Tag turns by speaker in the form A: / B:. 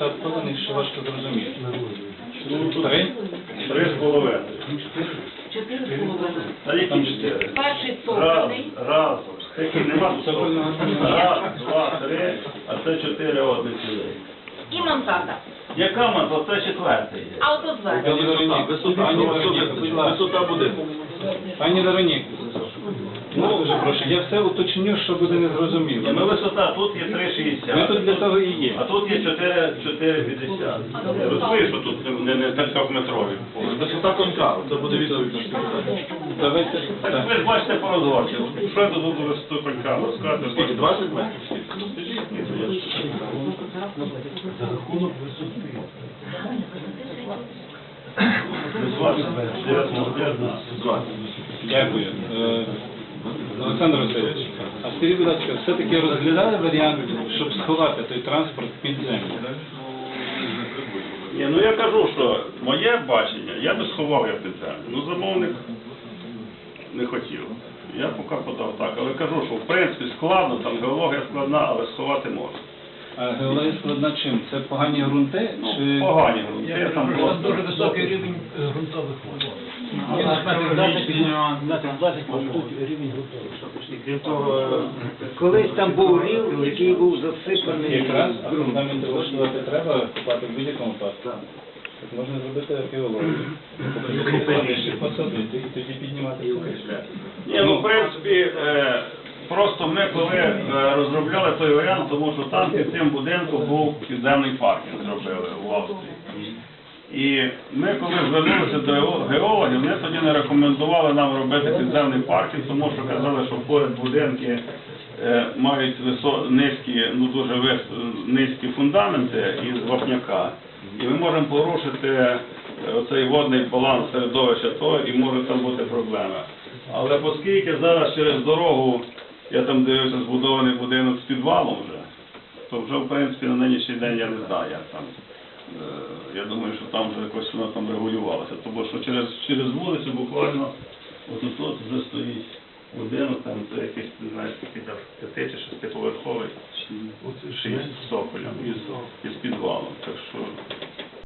A: остаткованих, що важко зрозуміти. 3?
B: 3,5.
C: 4,5.
B: Та які 4?
C: Перший
B: Раз,
C: цокольний.
B: раз. Такі нема
A: Цокольного немає.
B: Раз, два, три, а це 4 одних людей.
C: І мансарда.
B: Яка маса? Це четвертий.
C: А ото зверху.
A: Пані Вероніка, пані Вероніка, будь ласка.
B: Висота будинку.
A: Пані Вероніка, ну, дуже прошу, я все уточню, що буде незрозуміло.
B: Ну висота, тут є
A: Ми
B: 3,60.
A: тут для того і є.
B: А тут є 4,50. Розумієш, що тут не 3-метрові.
D: Висота конка, це буде відповідь на питання.
A: Давайте,
B: Так ви ж бачите по розгорці. Що я тут буду висоту конька розказати?
D: Скільки, 20 метрів?
E: За рахунок висоти.
A: дякую. Олександр Васильович, а скажіть, будь ласка, все-таки розглядали варіант, щоб сховати той транспорт під землю?
B: Ні, ну я кажу, що моє бачення, я би сховав як підземлю. Ну замовник не хотів. Я поки подав так, але кажу, що в принципі складно, там геологія складна, але сховати можна.
A: А геологія складна чим? Це погані ґрунти? Чи...
B: Погані грунти, там
E: Там
B: просто...
E: дуже високий рівень ґрунтових вод.
F: Крім того, колись там був рів, який був засипаний
A: Якраз, а
F: ґрунтом.
A: фундамент влаштувати треба купати в будь-якому випадку. Так можна зробити археологію. Посадити і тоді піднімати скоріше.
B: Ні, ну в принципі, просто ми коли розробляли той варіант, тому що там під цим будинком був підземний паркінг зробили в Австрії. І ми коли звернулися до геологів, вони тоді не рекомендували нам робити підземний паркінг, тому що казали, що поряд будинки мають низькі, ну дуже низькі фундаменти із вапняка. І ми можемо порушити оцей водний баланс середовища того, і може там бути проблеми. Але оскільки зараз через дорогу, я там дивився, збудований будинок з підвалом вже, то вже в принципі на нинішній день я не знаю, як там. Я думаю, що там вже якось воно там регулювалося, тому що через вулицю буквально от вже стоїть будинок, там це якийсь, не знаю, скільки там 5- чи 6-поверховий, з цоколем, із підвалом. Так що